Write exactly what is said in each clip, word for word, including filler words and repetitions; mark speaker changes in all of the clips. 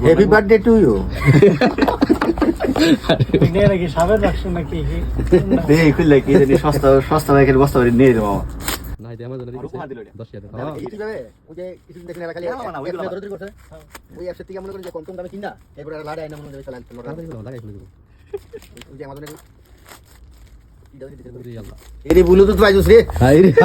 Speaker 1: Happy birthday to you.
Speaker 2: নিয়ে নাকি সাবের রাখছেন নাকি
Speaker 1: এই খুললে কি জানি সস্তা সস্তা বাইকের বস্তা করে নিয়ে দেবো।
Speaker 3: না এটা আমার জন্য দিছে দশ হাজার টাকা।
Speaker 1: কিভাবে ওই যে কিছু দেখলে না খালি দরদরি করছে ওই অ্যাপস থেকে মনে করেন যে কম কম দামে কিনা এরপর লাড়া আইনা মনে করে চালান
Speaker 3: তাড়াতাড়ি বলো, লাগাই ফেলে দেবো।
Speaker 1: ওই যে আমাদের
Speaker 3: ওরে আল্লাহ।
Speaker 1: এরে ব্লুটুথ বাইজুস রে
Speaker 3: হাই রে।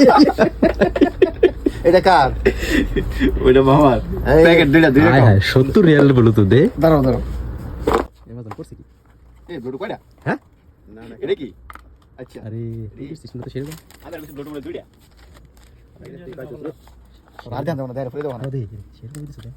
Speaker 1: এটা কার
Speaker 4: ওইটা মামার প্যাকেট দুইটা দুইটা
Speaker 3: হাই হাই সত্তর রিয়াল বলো তো দে।
Speaker 1: দাঁড়াও দাঁড়াও
Speaker 3: অ্যামাজন করছে কি?
Speaker 4: এই ব্লুটুথ কয়টা?
Speaker 3: হ্যাঁ?
Speaker 4: না না এটা কি? আচ্ছা
Speaker 3: আরে সিস্টেম তো সেরকম।
Speaker 4: আবার কিছু ব্লুটুথ বলে দুইটা।
Speaker 1: আর জানতাম না, দাঁড়া ফেলে দাও না।
Speaker 3: আরে দে সেরকম দিছে দে।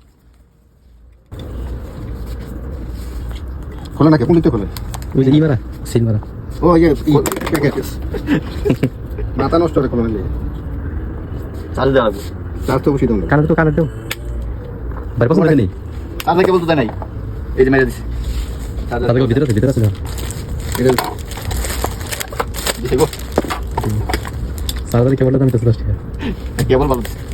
Speaker 1: খোলো না, কে খুলতে খোলে।
Speaker 3: ওই যে ইমারা সিল মারা।
Speaker 1: ও এই প্যাকেট মাথা নষ্ট করে খোলো না।
Speaker 4: চার্জ দেওয়া লাগবে।
Speaker 1: তার তো বসিয়ে দাও না।
Speaker 3: কানে তো কানে দাও। বাইরে পছন্দ নেই।
Speaker 4: চার্জ কেবল তো দেয় নাই। এই যে মেরে দিছি।
Speaker 3: তাদের ভিতরে আছে ভিতরে আছে।
Speaker 1: এটা
Speaker 4: দিছি গো।
Speaker 3: সারাদারি কেবল দাম দশ টাকা।
Speaker 4: কেবল ভালো দিছি।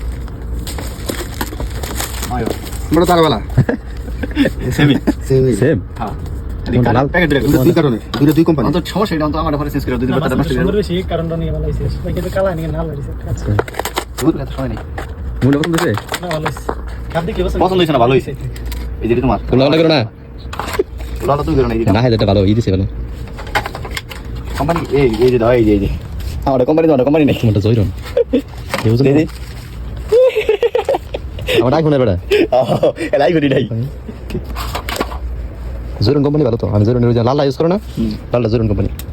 Speaker 4: আয়ো।
Speaker 1: বড় তারওয়ালা
Speaker 4: সেমি।
Speaker 1: Semi
Speaker 3: same.
Speaker 4: হ্যাঁ।
Speaker 3: কোনটা লাল?
Speaker 4: প্যাকেট দুইটা।
Speaker 1: দুই কারণে দুটো দুই কোম্পানি।
Speaker 4: অন্তত সমস্যা এটা তো আমার পরে চেঞ্জ করে দুই দিন পর তার নষ্ট হয়ে
Speaker 2: সুন্দর
Speaker 4: যাবে।
Speaker 2: বেশি কারণটা নিয়ে ভালো হয়েছে বাকি তো কালা নিয়ে ভালো হয়েছে আচ্ছা
Speaker 4: দুধ এত সময় নেই।
Speaker 3: মূল্য পছন্দ হয়েছে?
Speaker 2: না ভালো হয়েছে আপনি কি বলছেন
Speaker 4: পছন্দ হয়েছে না ভালো হয়েছে। এই যে তোমার।
Speaker 3: তোমরা অর্ডার করো না?
Speaker 4: লালা তুই করো না এই যে
Speaker 3: না হাজারটা ভালো ই দিছে ভালো।
Speaker 4: কোম্পানি এই এই যে দাও এই যে এই যে আমার কোম্পানি দাও কোম্পানি নেই।
Speaker 3: তোমারটা জয়রন। কেউ জানে?
Speaker 4: দিদি
Speaker 3: আমার আইফোনের বেটা।
Speaker 4: ও এলাই করি নাই।
Speaker 3: জয়রন কোম্পানি ভালো তো। আমি জয়রনের ওই যে লাল ইউজ করো না? লালটা জয়রন কোম্পানি।